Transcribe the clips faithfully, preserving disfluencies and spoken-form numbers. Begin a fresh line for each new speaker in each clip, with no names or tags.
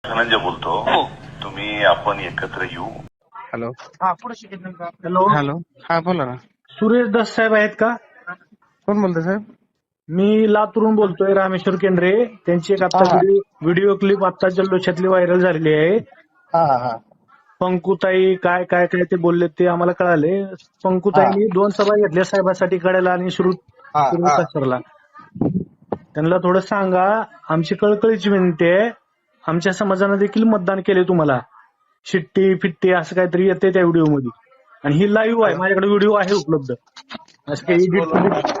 धनंजय बोलतो.
हो.
तुम्ही आपण एकत्र येऊ.
हॅलो
हा पुढे शिकेल का? हॅलो,
हॅलो हा बोला ना.
सुरेश दस साहेब आहेत का?
कोण बोलतोय साहेब?
मी लातूरून बोलतोय, रामेश्वर केंद्रे. त्यांची एक आता
हा, हा.
व्हिडिओ व्हिडिओ क्लिप आता जल्लोषातली व्हायरल झालेली आहे.
हा हा हा
पंकुताई काय काय काय ते बोलले ते आम्हाला कळाले. पंकुताईंनी दोन सभा घेतल्या साहेबासाठी कडेला आणि सुरू
हा हा
सरला. त्यांना थोडं सांगा, आमची कळकळीची विनंती आहे. आमच्या समाजानं देखील मतदान केले तुम्हाला. शिट्टी फिट्टी असं काहीतरी येते त्या व्हिडिओ मध्ये, आणि ही लाईव्ह आहे, माझ्याकडे व्हिडिओ आहे उपलब्ध. असं काही एडिट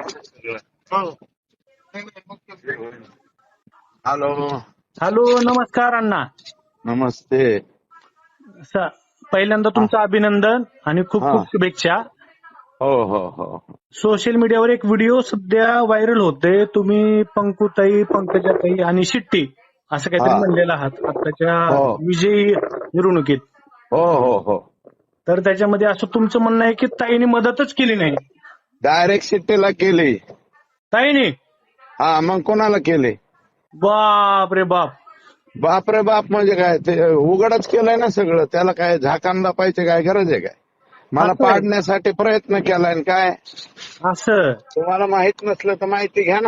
हॅलो
हॅलो, नमस्कार अण्णा.
नमस्ते.
स- पहिल्यांदा तुमचं अभिनंदन आणि खूप
हा.
खूप शुभेच्छा.
हो हो हो
सोशल मीडियावर एक व्हिडिओ सध्या व्हायरल होते. तुम्ही पंकुताई, पंकजाताई आणि शिट्टी असं काहीतरी
हा.
म्हणलेलं आहात आताच्या
हो.
विजयी मिरवणुकीत.
हो हो हो
तर त्याच्यामध्ये असं तुमचं म्हणणं आहे की ताईने मदतच केली नाही.
डायरेक्ट शिट्टीला केली.
ताईने
हा मग कोणाला केली?
बाप रे बाप.
बाप रे बाप म्हणजे काय, ते उघडच केलंय ना सगळं. त्याला काय झाकांना पाहिजे काय गरज आहे काय? मला
असं आहे.
पाडण्यासाठी प्रयत्न केलाय आणि काय
असं
तुम्हाला माहित नसलं तर माहिती घ्या ना.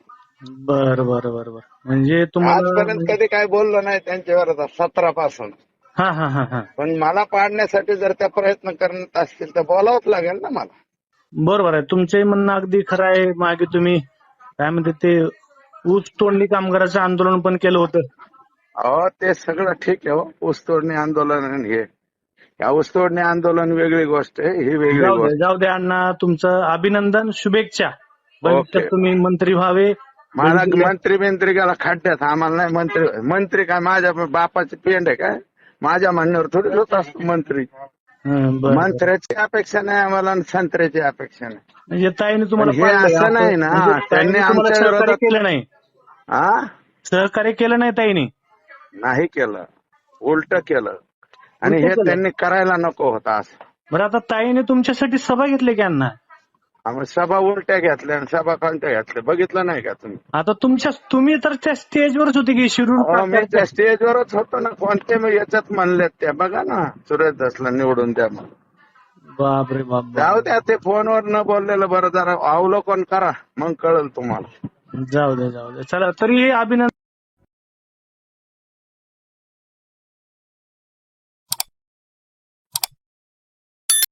बर बर बर बर म्हणजे तुम्हाला
आजपर्यंत कधी काय बोललो नाही त्यांच्यावर सतरा पासून.
हा हा हा हा
पण मला पाडण्यासाठी जर त्या प्रयत्न करत असतील तर बोलावंच लागेल ना मला.
बरोबर आहे. तुमचंही म्हणणं अगदी खरं आहे. मागे तुम्ही काय म्हणते ते ऊस तोडणी कामगाराचं आंदोलन पण केलं होतं.
अहो ते सगळं ठीक आहे हो, ऊसतोडणी आंदोलन आणि हे या ऊसतोडणी आंदोलन वेगळी गोष्ट आहे, ही वेगळी
जाऊ दे
गोष्ट.
जाऊ दे अण्णा, तुमचं अभिनंदन, शुभेच्छा. भविष्यात
ओके.
तुम्ही मंत्री व्हावे.
मला
वेगवेगळ्या-
मंत्री बिंत्री गेला खड्ड्यात, आम्हाला नाही मंत्री. मंत्री काय माझ्या बापाची पेंड आहे काय? माझ्या म्हणण्यावर थोडी होत असतो मंत्री.
हं, बरं, बरं.
मंत्र्याची अपेक्षा नाही आम्हाला आणि संत्र्याची अपेक्षा नाही.
म्हणजे ताईने तुम्हाला
पण हे
पाळलंय
असं नाही ना,
म्हणजे
त्यांनी
ताईने तुम्हाला
आमच्या
सहकार्य
विरोधात-
केलं नाही.
हा
सहकार्य केलं नाही ताईने.
नाही केलं, उलट केलं. आणि
उलटं
हे
केलं.
त्यांनी करायला नको होतं असं.
बरं, आता ताईने तुमच्यासाठी सभा घेतली की अण्णा?
आम्ही सभा उलट्या घेतल्या आणि सभा कोणत्या घेतल्या बघितलं नाही का तुम्ही?
आता तुमच्या तुम्ही तर त्या स्टेजवरच होते की शिरूर
अहो, मी
तालुक्यात.
त्या स्टेजवरच होतो ना. कोणत्या मी याच्यात म्हणलेत त्या बघा ना, सुरेश दसला निवडून द्या म्हणून.
बाप रे बाप बाप.
जाऊ द्या, ते फोनवर न बोललेलं बरं. जरा अवलोकन करा, मग कळेल तुम्हाला.
जाऊ दे जाऊ दे. चला, तरी अभिनंदन.